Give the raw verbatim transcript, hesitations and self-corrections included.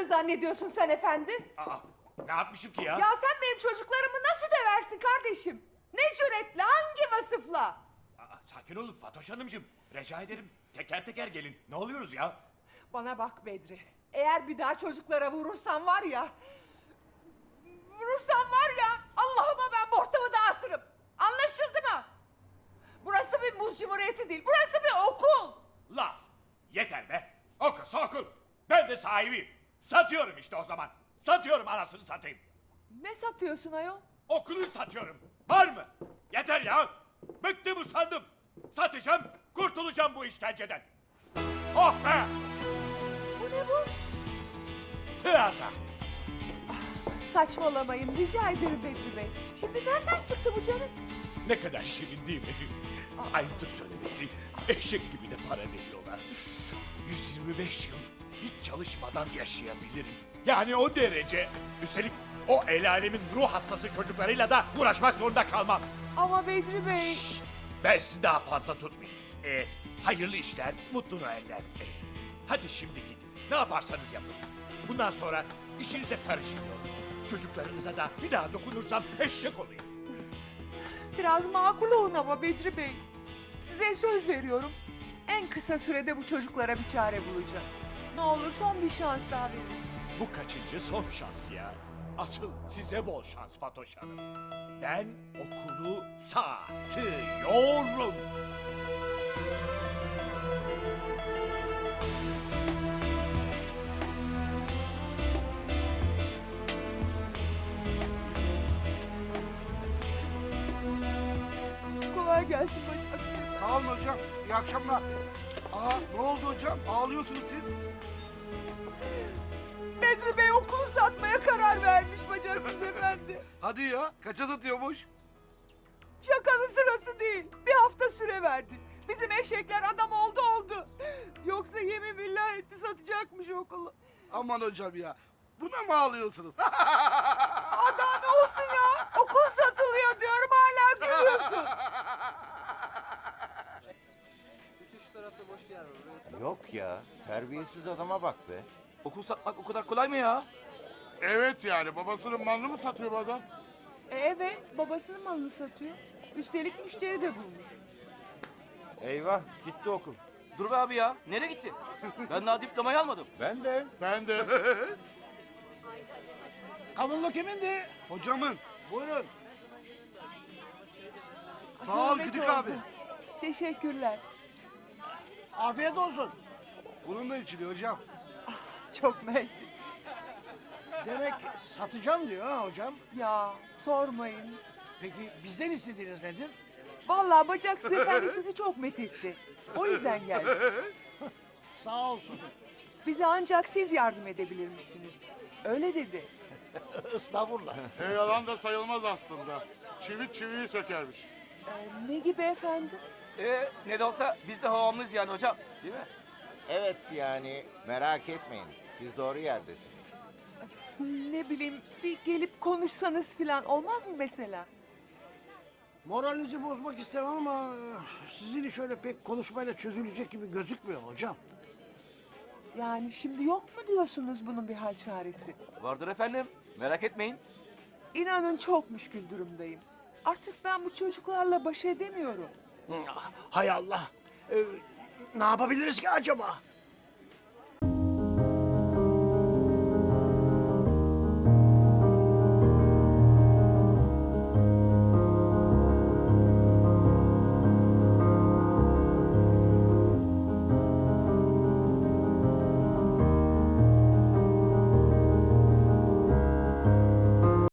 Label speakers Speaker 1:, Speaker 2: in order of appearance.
Speaker 1: zannediyorsun sen efendi?
Speaker 2: Aa, ne yapmışım ki ya?
Speaker 1: Ya sen benim çocuklarımı nasıl döversin kardeşim? Ne cüretle, hangi vasıfla?
Speaker 2: Aa, sakin olun Fatoş Hanımcığım. Rica ederim teker teker gelin. Ne oluyoruz ya?
Speaker 1: Bana bak Bedri. Eğer bir daha çocuklara vurursan var ya... Vurursan var ya, Allah'ıma ben ortamı dağıtırım. Anlaşıldı mı? Burası bir muz cumhuriyeti değil, burası bir okul.
Speaker 2: Laf. Yeter be. Okulsa okul. Ben de sahibiyim. Satıyorum işte o zaman. Satıyorum anasını satayım.
Speaker 1: Ne satıyorsun ayol?
Speaker 2: Okulu satıyorum. Var mı? Yeter ya. Bıktım usandım. Satacağım, kurtulacağım bu işkenceden. Oh be!
Speaker 1: Bu ne bu?
Speaker 2: Hıyaza.
Speaker 1: Saçmalamayın, rica ederim Bedri Bey. Şimdi nereden çıktı bu canım?
Speaker 2: Ne kadar şirin değil mi? Ayıptır söylemesi. Eşek gibi de para veriyorlar. yüz yirmi beş yıl hiç çalışmadan yaşayabilirim. Yani o derece. Üstelik o el alemin ruh hastası çocuklarıyla da uğraşmak zorunda kalmam.
Speaker 1: Ama Bedri Bey...
Speaker 2: Şşş! Ben sizi daha fazla tutmayayım. Ee, hayırlı işler, mutlu Noeller. Ee, hadi şimdi gidin. Ne yaparsanız yapın. Bundan sonra işinize karışmıyorum. Çocuklarınıza da bir daha dokunursam eşek olayım.
Speaker 1: Biraz makul olun ama Bedri Bey. Size söz veriyorum. En kısa sürede bu çocuklara bir çare bulacağım. Ne olur son bir şans daha verin.
Speaker 2: Bu kaçıncı son şans ya? Asıl size bol şans Fatoş Hanım. Ben okulu satıyorum.
Speaker 1: Kolay gelsin bacım.
Speaker 3: Sağ olun hocam. İyi akşamlar. Aa ne oldu hocam? Ağlıyorsunuz siz.
Speaker 1: Bedri Bey okulu satmaya karar vermiş bacaksız efendi.
Speaker 3: Hadi ya. Kaça satıyormuş?
Speaker 1: Şakanın sırası değil. Bir hafta süre verdi. Bizim eşekler adam oldu oldu. Yoksa yemin billah etti satacakmış okulu.
Speaker 3: Aman hocam ya. Buna mı ağlıyorsunuz?
Speaker 1: Aa, daha ne olsun ya? Okul satılıyor diyorum hala gülüyorsun.
Speaker 4: Yok ya, terbiyesiz adama bak be.
Speaker 5: Okul satmak o kadar kolay mı ya?
Speaker 3: Evet yani. Babasının malını mı satıyor bu adam?
Speaker 1: E, evet babasının malını satıyor. Üstelik müşteri de bulmuş.
Speaker 4: Eyvah, gitti okul.
Speaker 5: Dur be abi ya. Nereye gitti? Ben daha diplomayı almadım.
Speaker 4: Ben de.
Speaker 3: Ben de.
Speaker 6: Kavunlu kimindi?
Speaker 3: Hocamın.
Speaker 6: Buyurun.
Speaker 3: Sağ ol
Speaker 1: Zahmet
Speaker 3: Güdük
Speaker 1: oldu.
Speaker 3: abi.
Speaker 1: Teşekkürler.
Speaker 6: Afiyet olsun.
Speaker 3: Bununla içiliyor hocam.
Speaker 1: Çok mersi.
Speaker 6: Demek satacağım diyor ha hocam.
Speaker 1: Ya sormayın.
Speaker 6: Peki bizden istediğiniz nedir?
Speaker 1: Vallahi bacaksız efendi sizi çok methetti. O yüzden geldi.
Speaker 6: Sağ olsun.
Speaker 1: Bize ancak siz yardım edebilirmişsiniz. Öyle dedi.
Speaker 6: Estağfurullah.
Speaker 3: E, yalan da sayılmaz aslında. Çivi çiviyi sökermiş.
Speaker 1: Ee, ne gibi efendim?
Speaker 5: Ee, ne de olsa biz de havamlıyız yani hocam. Değil mi?
Speaker 4: Evet yani, merak etmeyin. Siz doğru yerdesiniz.
Speaker 1: Ne bileyim bir gelip konuşsanız falan olmaz mı mesela?
Speaker 6: Moralinizi bozmak istemem ama e, sizin iş öyle pek konuşmayla çözülecek gibi gözükmüyor hocam.
Speaker 1: Yani şimdi yok mu diyorsunuz bunun bir hal çaresi?
Speaker 5: Vardır efendim. Merak etmeyin.
Speaker 1: İnanın çok müşkül durumdayım. Artık ben bu çocuklarla baş edemiyorum.
Speaker 6: Hay Allah. Ee, ne yapabiliriz ki acaba?